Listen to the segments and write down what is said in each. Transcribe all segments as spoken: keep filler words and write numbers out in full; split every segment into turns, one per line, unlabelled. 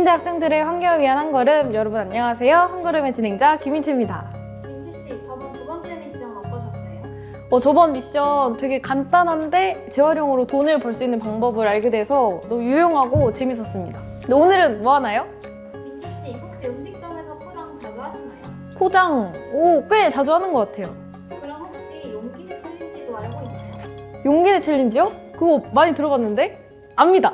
한림대 학생들의 환경을 위한 한걸음. 여러분 안녕하세요. 한걸음의 진행자 김인채입니다.
민지씨, 저번 두 번째 미션 어떠셨어요?
어, 저번 미션 되게 간단한데 재활용으로 돈을 벌 수 있는 방법을 알게 돼서 너무 유용하고 재밌었습니다. 근데 오늘은 뭐 하나요?
민지씨, 혹시 음식점에서 포장 자주 하시나요?
포장, 오, 꽤 자주 하는 것 같아요.
그럼 혹시 용기내 챌린지도 알고 있나요?
용기내 챌린지요? 그거 많이 들어봤는데? 압니다.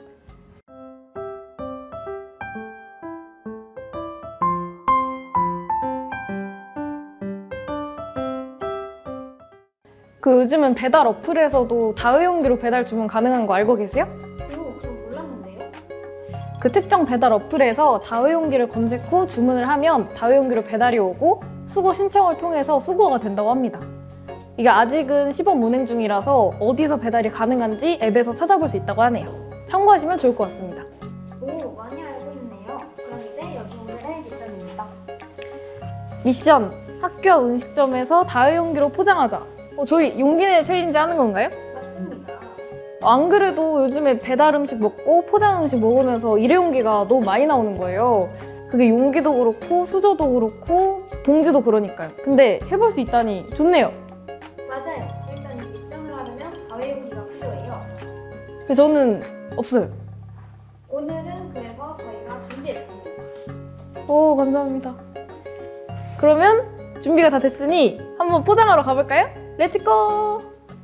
그 요즘은 배달 어플에서도 다회용기로 배달 주문 가능한 거 알고 계세요?
오, 그건 몰랐는데요?
그 특정 배달 어플에서 다회용기를 검색 후 주문을 하면 다회용기로 배달이 오고 수거 신청을 통해서 수거가 된다고 합니다. 이게 아직은 시범 운행 중이라서 어디서 배달이 가능한지 앱에서 찾아볼 수 있다고 하네요. 참고하시면 좋을 것 같습니다.
오, 많이 알고 있네요. 그럼 이제 여기 오늘의 미션입니다.
미션! 학교 앞 음식점에서 다회용기로 포장하자. 어, 저희 용기내 챌린지 하는 건가요?
맞습니다.
안 그래도 요즘에 배달 음식 먹고 포장 음식 먹으면서 일회용기가 너무 많이 나오는 거예요. 그게 용기도 그렇고 수저도 그렇고 봉지도 그러니까요. 근데 해볼 수 있다니 좋네요.
맞아요. 일단 이 미션을 하려면 다회용기가 필요해요.
근데 저는 없어요.
오늘은 그래서 저희가 준비했습니다.
오, 감사합니다. 그러면 준비가 다 됐으니 한번 포장하러 가볼까요? 렛츠고!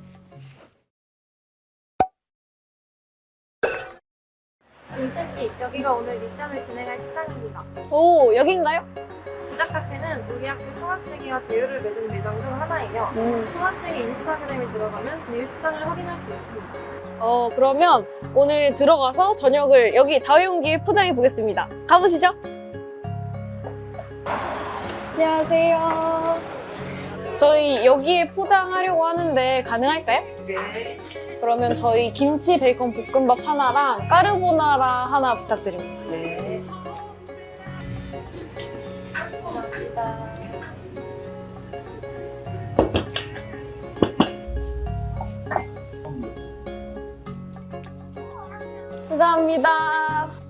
민채씨, 여기가 오늘 미션을 진행할 식당입니다.
오, 여긴가요?
부작카페는 우리 학교 총학생회와 제휴를 맺은 매장 중 하나예요.
음.
총학생회 인스타그램에 들어가면 제휴 식당을 확인할 수 있습니다.
어, 그러면 오늘 들어가서 저녁을 여기 다회용기에 포장해 보겠습니다. 가보시죠. 안녕하세요. 저희 여기에 포장하려고 하는데 가능할까요?
네.
그러면 저희 김치 베이컨 볶음밥 하나랑 까르보나라 하나 부탁드립니다.
네. 감사합니다.
감사합니다.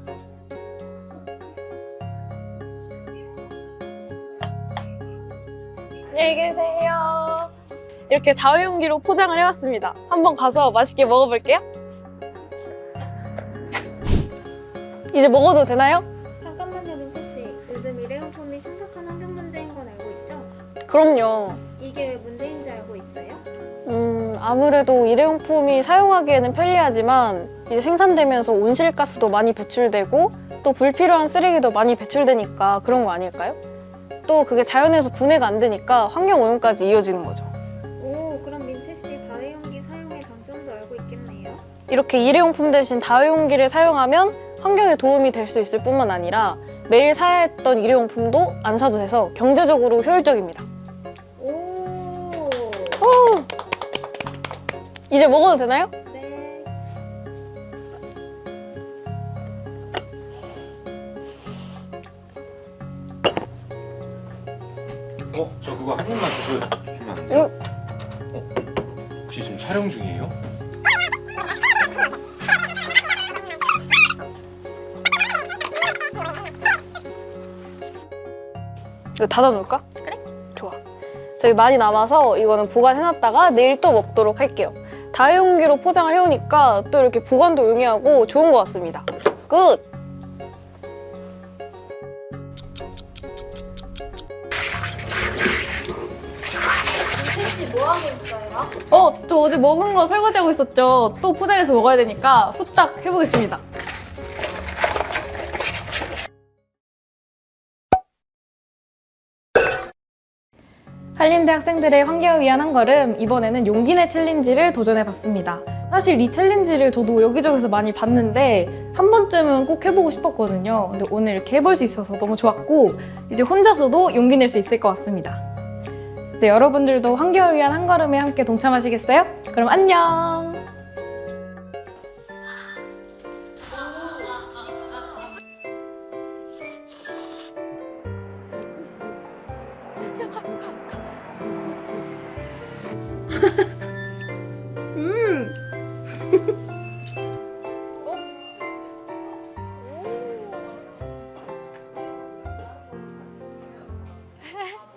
안녕히 계세요. 이렇게 다회용기로 포장을 해왔습니다. 한번 가서 맛있게 먹어볼게요. 이제 먹어도 되나요?
잠깐만요, 민채씨. 요즘 일회용품이 심각한 환경 문제인 건 알고 있죠?
그럼요.
이게 왜 문제인지 알고 있어요?
음, 아무래도 일회용품이 사용하기에는 편리하지만 이제 생산되면서 온실가스도 많이 배출되고 또 불필요한 쓰레기도 많이 배출되니까 그런 거 아닐까요? 또 그게 자연에서 분해가 안 되니까 환경오염까지 이어지는 거죠.
오, 그럼 민채씨 다회용기 사용의 장점도 알고 있겠네요?
이렇게 일회용품 대신 다회용기를 사용하면 환경에 도움이 될 수 있을 뿐만 아니라 매일 사야 했던 일회용품도 안 사도 돼서 경제적으로 효율적입니다.
오,
오! 이제 먹어도 되나요?
네.
어? 저 그거 한 입만 주셔, 주시면 안 돼요?
응.
어? 혹시 지금 촬영 중이에요?
이거 닫아놓을까? 그래. 좋아. 저희 많이 남아서 이거는 보관해놨다가 내일 또 먹도록 할게요. 다회용기로 포장을 해오니까 또 이렇게 보관도 용이하고 좋은 것 같습니다. 굿!
민채씨 뭐 하고 있어요?
어, 저 어제 먹은 거 설거지하고 있었죠. 또 포장해서 먹어야 되니까 후딱 해보겠습니다. 한림대 학생들의 환경을 위한 한걸음, 이번에는 용기내 챌린지를 도전해봤습니다. 사실 이 챌린지를 저도 여기저기서 많이 봤는데 한 번쯤은 꼭 해보고 싶었거든요. 근데 오늘 이렇게 해볼 수 있어서 너무 좋았고 이제 혼자서도 용기 낼 수 있을 것 같습니다. 네, 여러분들도 환경을 위한 한걸음에 함께 동참하시겠어요? 그럼 안녕! 야, 가, 가, 가.